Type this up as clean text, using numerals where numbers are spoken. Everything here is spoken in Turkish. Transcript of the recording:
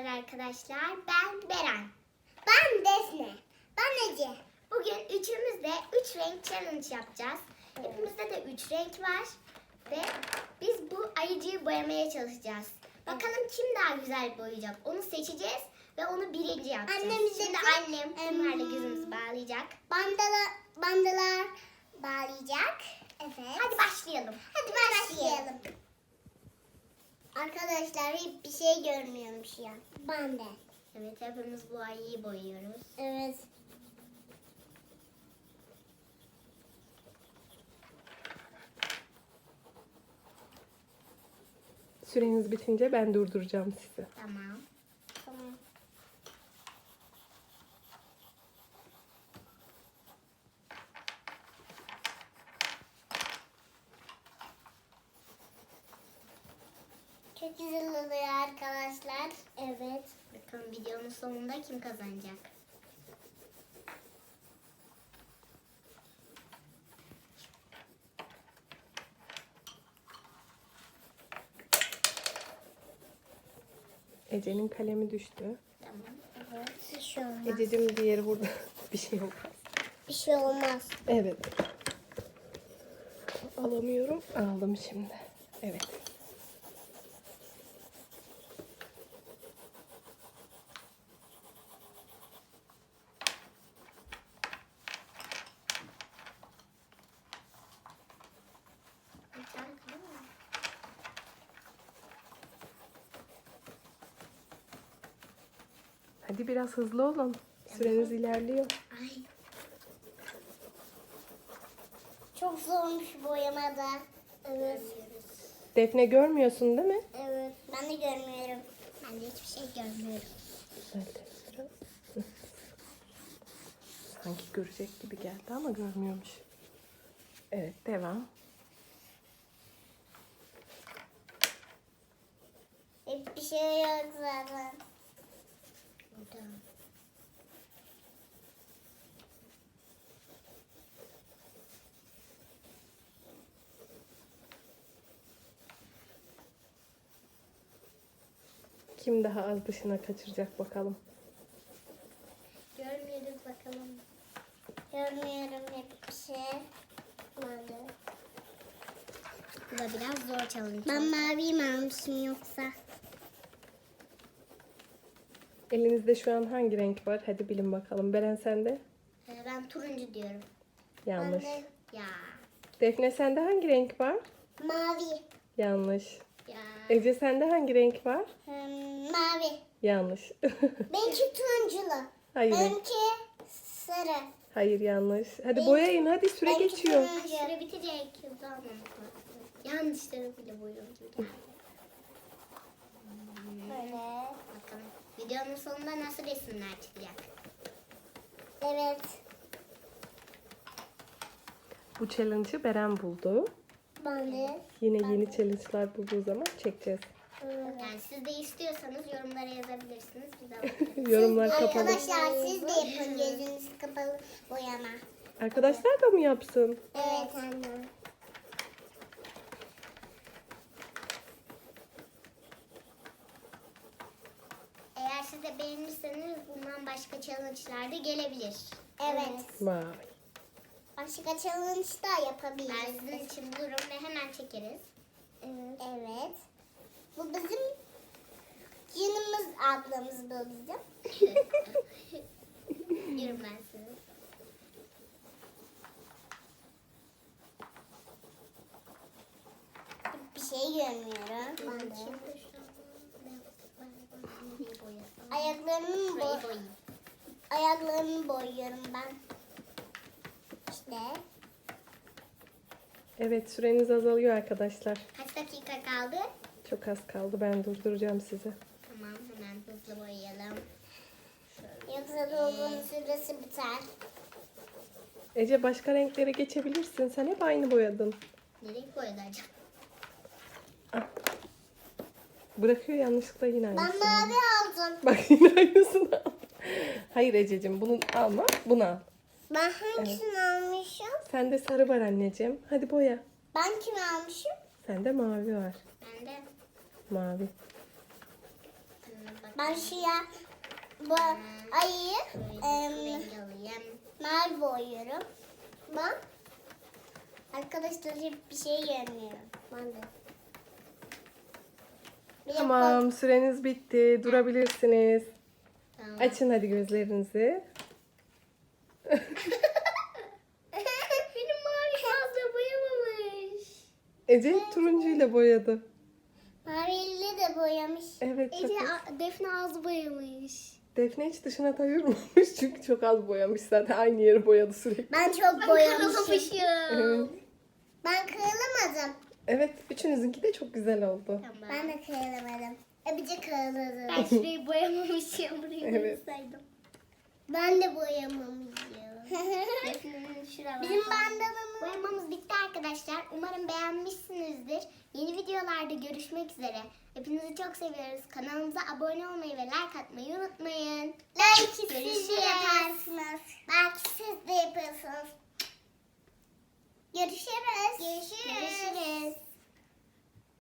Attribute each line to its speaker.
Speaker 1: Merhabalar arkadaşlar. Ben Beren.
Speaker 2: Ben Defne. Ben Ece.
Speaker 1: Bugün üçümüz de 3 renk challenge yapacağız. Hepimizde de 3 renk var. Ve biz bu ayıcıyı boyamaya çalışacağız. Bakalım kim daha güzel boyayacak. Onu seçeceğiz ve onu birinci yapacağız. Şimdi annem bunlarla gözümüzü bağlayacak.
Speaker 2: Bandalar bağlayacak. Evet.
Speaker 1: Hadi başlayalım.
Speaker 2: Hadi başlayalım. Arkadaşlar hiçbir şey görmüyormuş ya. Ben de.
Speaker 1: Evet, hepimiz bu ayıyı boyuyoruz.
Speaker 2: Evet.
Speaker 3: Süreniz bitince ben durduracağım sizi.
Speaker 1: Tamam.
Speaker 2: Tamam. Çok güzel oluyor arkadaşlar. Evet.
Speaker 1: Bakalım videonun sonunda kim kazanacak?
Speaker 3: Ece'nin kalemi düştü.
Speaker 1: Tamam.
Speaker 2: Evet. Bir şey olmaz.
Speaker 3: Ececiğim diğeri burada. Bir şey olmaz.
Speaker 2: Bir şey olmaz.
Speaker 3: Evet. Alamıyorum. Aldım şimdi. Evet. Hadi biraz hızlı olun. Süreniz ilerliyor.
Speaker 1: Ay.
Speaker 2: Çok zormuş boyamada. Evet.
Speaker 3: Defne görmüyorsun değil mi?
Speaker 2: Evet. Ben de görmüyorum.
Speaker 1: Ben de hiçbir şey görmüyorum.
Speaker 3: Evet. Sanki görecek gibi geldi ama görmüyormuş. Evet, devam.
Speaker 2: Hiçbir şey yok zaten.
Speaker 1: Burada.
Speaker 3: Kim daha az dışına kaçıracak bakalım.
Speaker 1: Görmüyoruz bakalım.
Speaker 2: Görmüyorum hiçbir şey. Ben de.
Speaker 1: Bu da biraz zor challenge.
Speaker 2: Ben maviyi mi almışım yoksa?
Speaker 3: Elinizde şu an hangi renk var? Hadi bilin bakalım. Beren sende?
Speaker 1: Ben turuncu diyorum.
Speaker 3: Yanlış.
Speaker 2: Ben de
Speaker 1: Ya.
Speaker 3: Defne sende hangi renk var?
Speaker 2: mavi.
Speaker 3: Yanlış.
Speaker 1: Ya.
Speaker 3: Ece sende hangi renk var?
Speaker 2: Mavi.
Speaker 3: Yanlış.
Speaker 2: Benimki turunculu.
Speaker 3: Hayır.
Speaker 2: Benimki sarı.
Speaker 3: Hayır yanlış. Hadi boyayın hadi süre
Speaker 2: benimki
Speaker 3: geçiyor.
Speaker 2: turuncu.
Speaker 1: Süre bitecek. Hızlı almamız lazım. Yanlışları bile boyuyorum gibi geldi.
Speaker 2: Böyle.
Speaker 1: Bakalım. Videonun sonunda nasıl resimler çıkacak?
Speaker 2: Evet.
Speaker 3: Bu challenge'ı Beren buldu.
Speaker 2: Ben de.
Speaker 3: Yine yeni challenge'lar bulduğu zaman çekeceğiz.
Speaker 1: Yani siz de istiyorsanız yorumlara yazabilirsiniz. Biz alabiliriz.
Speaker 3: Yorumlar kapalı.
Speaker 2: Arkadaşlar siz de yapın gözünüz kapalı boyama.
Speaker 3: Arkadaşlar da mı yapsın?
Speaker 2: Evet anne.
Speaker 1: Eğer siz de beğenirseniz bundan başka challenge'lar da gelebilir.
Speaker 2: Evet.
Speaker 3: Vay.
Speaker 2: Başka challenge da yapabiliriz.
Speaker 1: Ben sizin için bulurum ve hemen çekeriz.
Speaker 2: Evet. Bu bizim canımız ablamız bu bizim.
Speaker 1: Diyorum ben size.
Speaker 2: Bir şey görmüyorum. Ben de.
Speaker 1: Şimdi şu an
Speaker 2: Ayaklarımı
Speaker 1: Şurayı boyayayım.
Speaker 2: ayaklarımı boyuyorum ben. İşte.
Speaker 3: Evet süreniz azalıyor arkadaşlar.
Speaker 1: Kaç dakika kaldı?
Speaker 3: Çok az kaldı. Ben durduracağım sizi.
Speaker 1: Tamam, hemen hızlı boyayalım.
Speaker 2: Yoksa dolgunun süresi biter.
Speaker 3: Ece başka renklere geçebilirsin. Sen hep aynı boyadın.
Speaker 1: Nereye boyadı acaba?
Speaker 3: Ah. Bırakıyor yanlışlıkla yine
Speaker 2: Ben
Speaker 3: aynısını.
Speaker 2: mavi aldım.
Speaker 3: Bak yine aynısını al. Hayır Ececiğim bunu alma. Bunu al.
Speaker 2: Ben hangisini almışım?
Speaker 3: Sende sarı var anneciğim. Hadi boya.
Speaker 2: Ben kimi almışım?
Speaker 3: Sende mavi var.
Speaker 1: Ben de
Speaker 3: Mavi.
Speaker 1: bak.
Speaker 2: Ben şuraya bu ayıyı
Speaker 1: Renk alayım.
Speaker 2: mavi boyuyorum. Bak. Arkadaşlar hiçbir şey görmüyorum. Ben de. Bir de
Speaker 3: Tamam, süreniz bitti. Durabilirsiniz.
Speaker 1: Tamam.
Speaker 3: Açın hadi gözlerinizi.
Speaker 1: Benim mavi fazla boyamamış.
Speaker 3: Ece turuncuyla boyadı.
Speaker 2: Mavili de boyamış.
Speaker 3: Evet, çok
Speaker 1: Ece
Speaker 3: az.
Speaker 1: Defne az boyamış.
Speaker 3: Defne hiç dışına ayırmamış çünkü çok az boyamış zaten. Aynı yeri boyadı sürekli.
Speaker 2: Ben çok boyamışım.
Speaker 3: Evet.
Speaker 2: Ben kırılamadım.
Speaker 3: Evet, üçünüzünki de çok güzel oldu.
Speaker 1: Tamam.
Speaker 2: Ben de kırılamadım. Öbürce kırıldı.
Speaker 1: Ben şurayı boyamamışım. Burayı
Speaker 3: Evet.
Speaker 1: boyasaydım.
Speaker 2: Ben de boyamamışım.
Speaker 1: Defne'nin şuralar.
Speaker 2: Bizim bandalımız.
Speaker 1: Boyamamız bitti arkadaşlar. Umarım beğenmişsinizdir. Yeni videolarda görüşmek üzere. Hepinizi çok seviyoruz. Kanalımıza abone olmayı ve like atmayı unutmayın.
Speaker 2: Belki siz
Speaker 1: Görüşürüz.
Speaker 2: de yaparsınız. Belki siz de yapıyorsunuz. Görüşürüz.
Speaker 1: Görüşürüz.